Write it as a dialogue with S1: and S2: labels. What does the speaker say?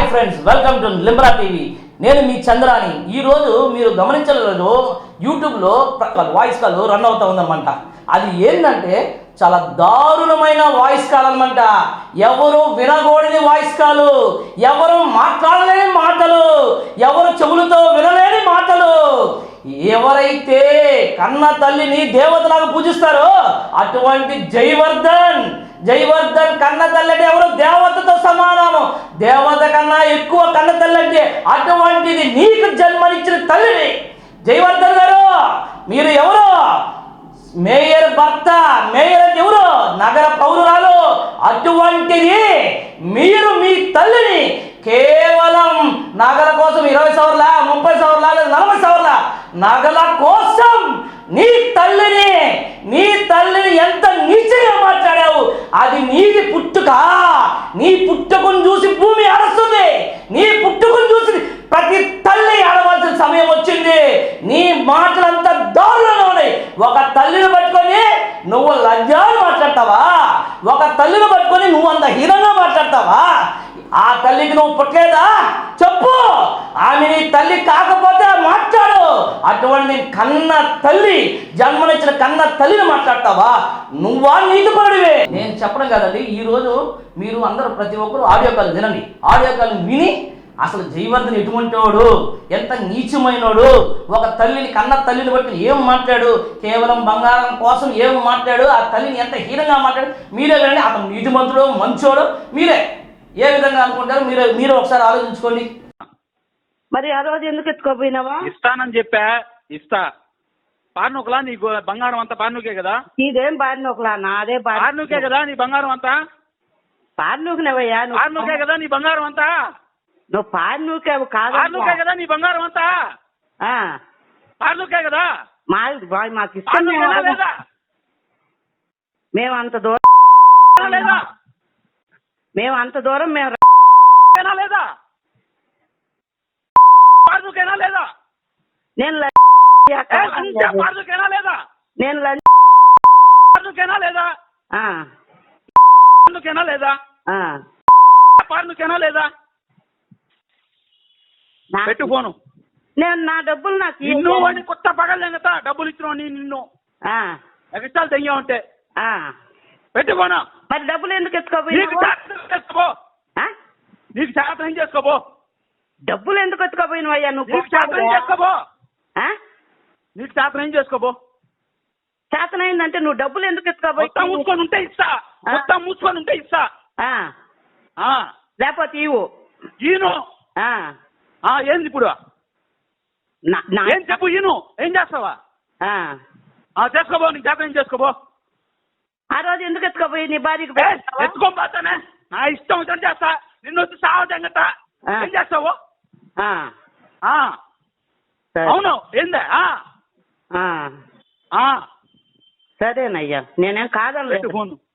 S1: Friends, welcome to లింబ్రా TV. నేను మీ చంద్రాని. ఈరోజు మీరు గమనించలేదు, యూట్యూబ్లో వాయిస్ కాల్ రన్ అవుతా ఉందన్నమాట. అది ఏంటంటే చాలా దారుణమైన వాయిస్ కాల్ అనమాట. ఎవరు వినకూడని వాయిస్ కాలు, ఎవరు మాట్లాడలేని మాటలు, ఎవరు చెవులతో వినలేని మాటలు. ఎవరైతే కన్న తల్లిని దేవతలాగా పూజిస్తారో అటువంటి జయవర్ధన్ కన్న తల్లి అంటే ఎవరు? దేవతతో సమానము. దేవత కన్నా ఎక్కువ కన్న తల్లి అంటే అటువంటిది నీకు జన్మనిచ్చిన తల్లిని. జయవర్ధన్ గారు, మీరు ఎవరు? మేయర్ భర్త. మేయర్ అంటే ఎవరు? నగర పౌరురాలు. అటువంటిది మీరు మీ తల్లిని కేవలం నగల కోసం 20 సవర్ల, 30 సవర్ల, 40 సవర్ల నగల కోసం నీ తల్లిని ఎంత నీచంగా మాట్లాడావు. అది నీది పుట్టుక. నీ పుట్టుకను చూసి భూమి అరుస్తుంది. నీ పుట్టుకను చూసి ప్రతి తల్లి ఆడవలసిన సమయం వచ్చింది. నీ మాటలంతా దారుణంగా ఉన్నాయి. ఒక తల్లిని పట్టుకొని నువ్వు లజ్జాలు మాట్లాడతావా? ఒక తల్లిని పట్టుకొని నువ్వు అంత హీనంగా మాట్లాడతావా? ఆ తల్లికి నువ్వు పుట్టలేదా? చెప్పు. ఆమె నీ తల్లి కాకపోతే మాట్లాడు. అటువంటి కన్న తల్లి, జన్మనిచ్చిన కన్న తల్లిని మాట్లాడతావా? నువ్వా నీతిపరుడివే? నేను చెప్పడం కాదండి. ఈరోజు మీరు అందరూ ప్రతి ఒక్కరు ఆడియో కాల్ వినండి. ఆడియో కాల్ విని అసలు జయవర్ధన్ ఎటువంటి వాడు, ఎంత నీచమైనోడు, ఒక తల్లిని కన్న తల్లిని బట్టి ఏం మాట్లాడు, కేవలం బంగారం కోసం ఏం మాట్లాడు, ఆ తల్లిని ఎంత హీనంగా మాట్లాడు మీరే వినండి. అతను నీతిమంతుడు, మంచోడు, మీరే ఏ విధంగా అనుకుంటారు మీరు ఒకసారి ఆలోచించుకోండి.
S2: మరి ఆ రోజు ఎందుకు ఎత్తుకోపోయినావా?
S3: ఇస్తానని చెప్పా, ఇస్తా. పార్నుకలా నీ బంగారం అంతా పార్నుకే కదా?
S2: నీదేం పార్నుకలా? నాదే
S3: పార్నుకే కదా నీ బంగారం అంతా?
S2: పార్నుకునేవయ్యా?
S3: పార్నుకే కదా నీ బంగారం అంతా?
S2: నువ్వు పార్నుకేవు కాదు.
S3: పార్నుకే కదా నీ బంగారం అంతా? పార్నుకే కదా?
S2: మాకు ఇష్టం
S3: లేదా?
S2: మేము అంత దూరం
S3: లేదా?
S2: మేము అంత దూరం మేము
S3: లేదా? పార్నుకేనా లేదా?
S2: నేను
S3: పార్నుకేనా లేదా?
S2: నేను
S3: పార్నుకేనా లేదా? పార్నుకేనా లేదా? పార్నుకేనా లేదా? పెట్టు ఫోను.
S2: నేను నా డబ్బులు నాకు
S3: నిన్ను వాడిని కొత్త పగలేంగతా డబ్బులు ఇచ్చిన నిన్ను ఎగస్టాలు తెంగా ఉంటే పెట్టు ఫోను.
S2: మరి డబ్బులు ఎందుకు ఎత్తుకోపోయి?
S3: నీకు శాతం చేసుకోబో.
S2: డబ్బులు ఎందుకు ఎత్తుకోపోయినవయ్యా? నువ్వు
S3: శాతం చేసుకోబో. నీకు శాతం ఏం చేసుకోబో.
S2: శాతం అయిందంటే నువ్వు డబ్బులు ఎందుకు ఎత్తుకోపోయి?
S3: మొత్తం మూసుకొని ఉంటే ఇస్తా. మొత్తం మూసుకొని ఉంటే ఇస్తా.
S2: లేకపోతే ఇవ్వు.
S3: ఈను ఏంది ఇప్పుడు? ఏం చెప్పు. ఈను ఏం చేస్తావా? చేసుకోబో. నీకు శాతం ఏం చేసుకోబో.
S2: ఆ రోజు ఎందుకు ఎత్తుకోపోయి నీ భార్యకి?
S3: ఎత్తుకోపోతానే. నా ఇష్టం వచ్చి చేస్తా. నిన్ను వచ్చి సావతంగట ఏం చేస్తావు? అవును. ఏందా?
S2: సరేనయ్యా, నేనేం కాదనలేదు.
S3: ఫోన్